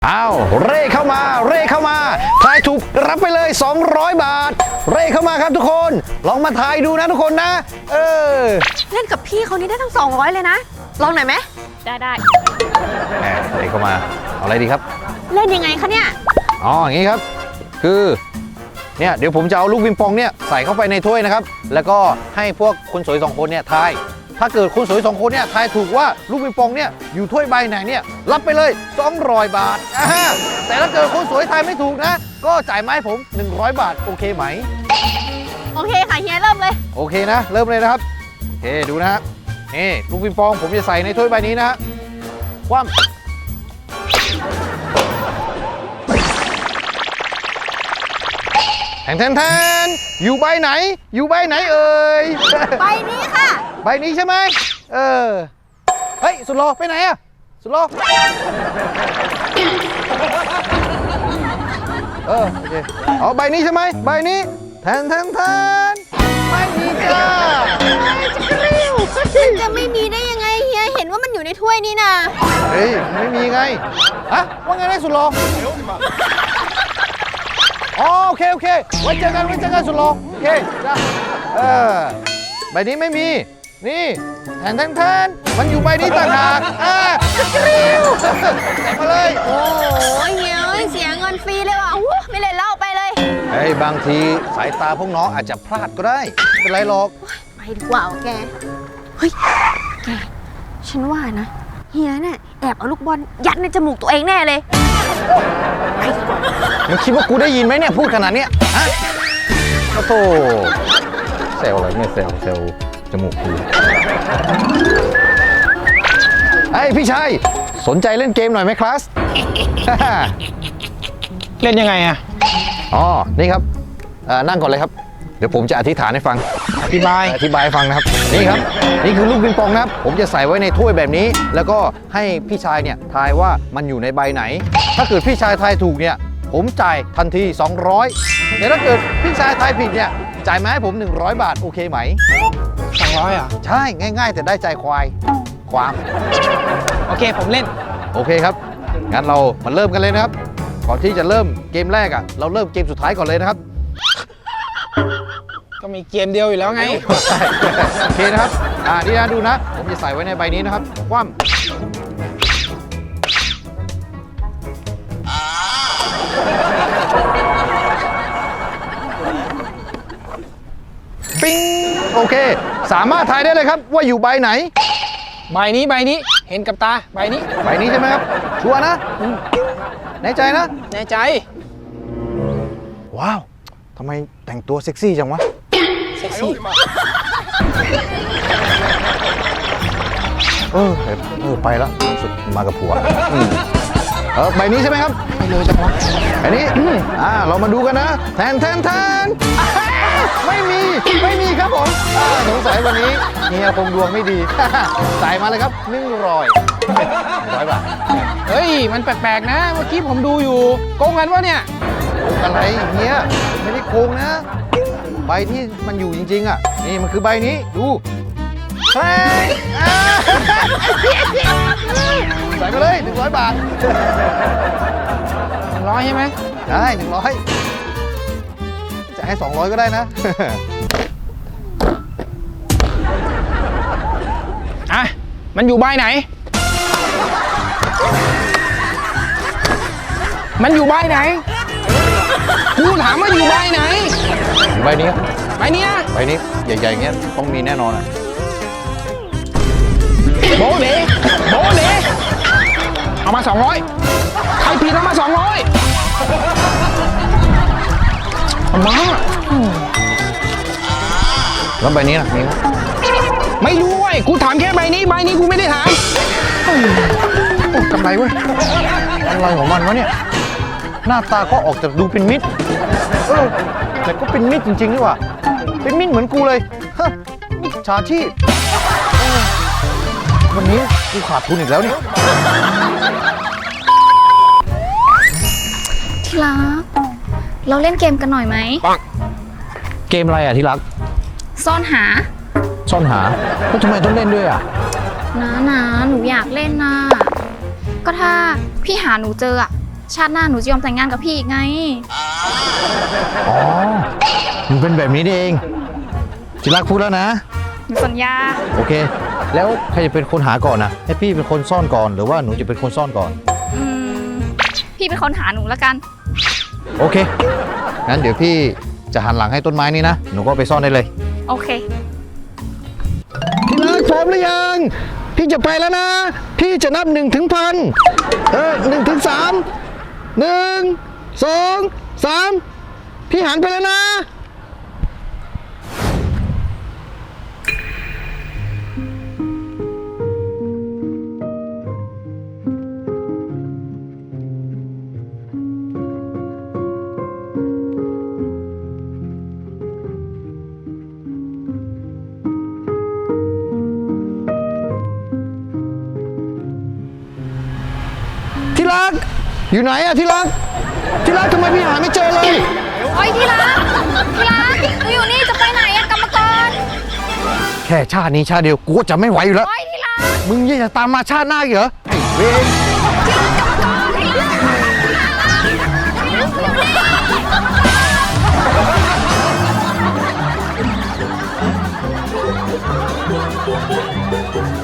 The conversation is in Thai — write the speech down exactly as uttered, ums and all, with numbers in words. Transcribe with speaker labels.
Speaker 1: อ้าวเร่เข้ามาเร่เข้ามาทายถูกรับไปเลยสองร้อยบาทเร่เข้ามาครับทุกคนลองมาทายดูนะทุกคนนะเออ
Speaker 2: เล่นกับพี่เขานี่ได้ทั้งสองร้อยเลยนะลองหน่อยไหมได้ได้
Speaker 1: แหมเร่เข้ามาเอาอะไรดีครับ
Speaker 2: เล่นยังไงคะเนี่ย
Speaker 1: อ๋ออย่างนี้ครับคือเนี่ยเดี๋ยวผมจะเอาลูกปิงปองเนี่ยใส่เข้าไปในถ้วยนะครับแล้วก็ให้พวกคนสวยสองคนเนี่ยทายถ้าเกิดคนสวยสองคนเนี่ยทายถูกว่าลูกปิงปองเนี่ยอยู่ถ้วยใบไหนเนี่ยรับไปเลยสองร้อยบาทแต่ถ้าเกิดคนสวยทายไม่ถูกนะก็จ่ายมาให้ผมหนึ่งร้อยบาทโอเคไหม
Speaker 2: โอเคค่ะเฮียเริ่มเลย
Speaker 1: โอเคนะเริ่มเลยนะครับโอเคดูนะฮะนี่ลูกปิงปองผมจะใส่ในถ้วยใบนี้นะฮะคว่ำแทนแทนแทนอยู่ใบไหนอยู่ใบไหนเอ่ย
Speaker 2: ใบนี้ค่ะ
Speaker 1: ใบนี้ใช่ไหมเออเฮ้ยสุดหล่อไปไหนอะสุดหล่อเออโอเคเอาใบนี้ใช่ไหมใบนี้แทนแทนแทนไม่มีจ้า
Speaker 2: มันจะไม่มีได้ยังไงเฮียเห็นว่ามันอยู่ในถ้วยนี้นะ
Speaker 1: เฮ้ยไม่มีไงฮะว่าไงได้สุดหล่ออ๋อโอเคโอเคไว้เจอกันไว้เจอกันสุดหล่อโอเคจ้าเออใบนี้ไม่มีนี่แทนแทนแทนมันอยู่ใบนี้ต่างหากอ่าริ้วใส่มาเลย
Speaker 2: โอ้ยเฮียเสียเงินฟรีเลยว่ะไม่เล่นเล่าไปเลย
Speaker 1: เฮ้ยบางทีสายตาพวกน้องอาจจะพลาดก็ได้ไม่เป็นไรหรอก
Speaker 2: ไปดีกว่าแกเฮ้ยแกฉันว่านะเฮียเนี่ยแอบเอาลูกบอลยัดในจมูกตัวเองแน่เลย
Speaker 1: มึงคิดว่ากูได้ยินไหมเนี่ยพูดขนาดนี้ฮะโอ้โธ่เซลอะไรเนี่ยเซลเซลจมูกกูไอ้พี่ชายสนใจเล่นเกมหน่อยไหมคลาส
Speaker 3: เล่นยังไงอะ
Speaker 1: อ๋อนี่ครับนั่งก่อนเลยครับเดี๋ยวผมจะอธิษฐานให้ฟัง
Speaker 3: อธิบาย
Speaker 1: อธิบายให้ฟังนะครับนี่ครับนี่คือลูกปิงปองนะครับผมจะใส่ไว้ในถ้วยแบบนี้แล้วก็ให้พี่ชายเนี่ยทายว่ามันอยู่ในใบไหนถ้าเกิดพี่ชายทายถูกเนี่ยผมจ่ายทันทีสองร้อยแต่ถ้าเกิดพี่ชายทายผิดเนี่ยจ่ายมาให้ผมหนึ่งร้อยบาทโอเคไหม
Speaker 3: สองร้อยอ่ะ
Speaker 1: ใช่ง่ายๆแต่ได้ใจควายความ
Speaker 3: โอเคผมเล่น
Speaker 1: โอเคครับงั้นเรามาเริ่มกันเลยนะครับก่อนที่จะเริ่มเกมแรกอ่ะเราเริ่มเกมสุดท้ายก่อนเลยนะครับ
Speaker 3: ก็มีเกมเดียวอยู่แล้วไง
Speaker 1: โอเคนะครับอ่านี่นะดูนะผมจะใส่ไว้ในใบนี้นะครับคว่ำปิ้งโอเคสามารถทายได้เลยครับว่าอยู่ใบไหน
Speaker 3: ใบนี้ใบนี้เห็นกับตาใบนี้
Speaker 1: ใบนี้ใช่ไหมครับชัวร์นะแน่ใจนะ
Speaker 3: แน่ใจ
Speaker 1: ว้าวทำไมแต่งตัวเซ็กซี่จังวะ
Speaker 3: เซ็กซี่
Speaker 1: เออเออไปแล้วสุดมากับผัวเออใบนี้ใช่ไหมครับ
Speaker 3: ไปเลยจังวะ
Speaker 1: ใบนี้อ่าเรามาดูกันนะแทนแทนแทนไม่มีไม่มีครับผมสงสัยวันนี้เฮียคงดวงไม่ดีใส่มาเลยครับหนึ่งร้อยร้อยบาท
Speaker 3: เฮ้ยมันแปลกๆนะเมื่อกี้ผมดูอยู่โกงกันวะเนี่ย
Speaker 1: โกงอะไรเฮียไม่ได้โกงนะใบที่มันอยู่จริงๆอ่ะนี่มันคือใบนี้ดูใส่ใส่มาเลยหนึ่งร้อยบาท
Speaker 3: หนึ่งร้อยใช่ไหม
Speaker 1: ได้หนึ่งร้อยจะให้สองร้อยก็ได้นะ
Speaker 3: อ่ะมันอยู่ใบไหนมันอยู่ใบไหนกูถามว่าอยู่ใบไหน
Speaker 1: ใบนี้
Speaker 3: ใบนี้
Speaker 1: ใบนี้ใหญ่ๆเงี้ยต้องมีแน่นอนอ่ะ
Speaker 3: โบเดโบเดเอามาสองร้อยใครผิดเอามาสองร้อยเอามา
Speaker 1: แล้วใบนี้ล่ะมีไหม
Speaker 3: ไม่รู้เว้ยกูถามแค่ใบนี้ใบนี้กูไม่ได้ถามโอ้กำไรเว้ย
Speaker 1: อะไรของมันวะเนี่ยหน้าตาก็ออกจากดูเป็นมิตรเออแต่ก็เป็นมิตรจริงๆนี่หว่าเป็นมิตรเหมือนกูเลยฮะมิจฉาชีพวันนี้กูขาดทุนอีกแล้วนี่
Speaker 4: ที่รักเราเล่นเกมกันหน่อยไหม
Speaker 1: เกมอะไรอ่ะที่รัก
Speaker 4: ซ่อนหา
Speaker 1: ซ่อนหาแล้วทำไมต้องเล่นด้วยอ่ะ
Speaker 4: นะนะหนูอยากเล่นนะก็ถ้าพี่หาหนูเจออ่ะชาติหน้าหนูจะยอมแต่งงานกับพี่อีกไง
Speaker 1: อ๋อมันเป็นแบบนี้นี่เองที่รักพูดแล้วนะ
Speaker 4: หนูสัญญา
Speaker 1: โอเค แล้วใครจะเป็นคนหาก่อนนะให้พี่เป็นคนซ่อนก่อนหรือว่าหนูจะเป็นคนซ่อนก่อน
Speaker 4: อืม พี่เป็นคนหาหนูแล้วกัน
Speaker 1: โอเค งั้นเดี๋ยวพี่จะหันหลังให้ต้นไม้นี้นะ หนูก็ไปซ่อนได้เลย
Speaker 4: โอเค
Speaker 3: ที่รักพร้อมหรือยัง พี่จะไปแล้วนะ พี่จะนับหนึ่งถึงพันเออหนึ่งถึงสามหนึ่งสองสามพี่หันไปแล้วนะ ที่รัก อยู่ไหนอะที่รัก ที่รักทำไมพี่หาไม่เจอเลย
Speaker 4: โอ้ยที่รัก ที่รักหนูอยู่นี่จะไปไหนอะกรรมกร
Speaker 1: แค่ชาตินี้ชาติเดียวกูก็จะไม่ไหวอยู่แล้ว
Speaker 4: โอ้ยที่รัก
Speaker 1: มึงยังจะตามมาชาติหน้าอีกเหรอไอ้เวร
Speaker 4: ท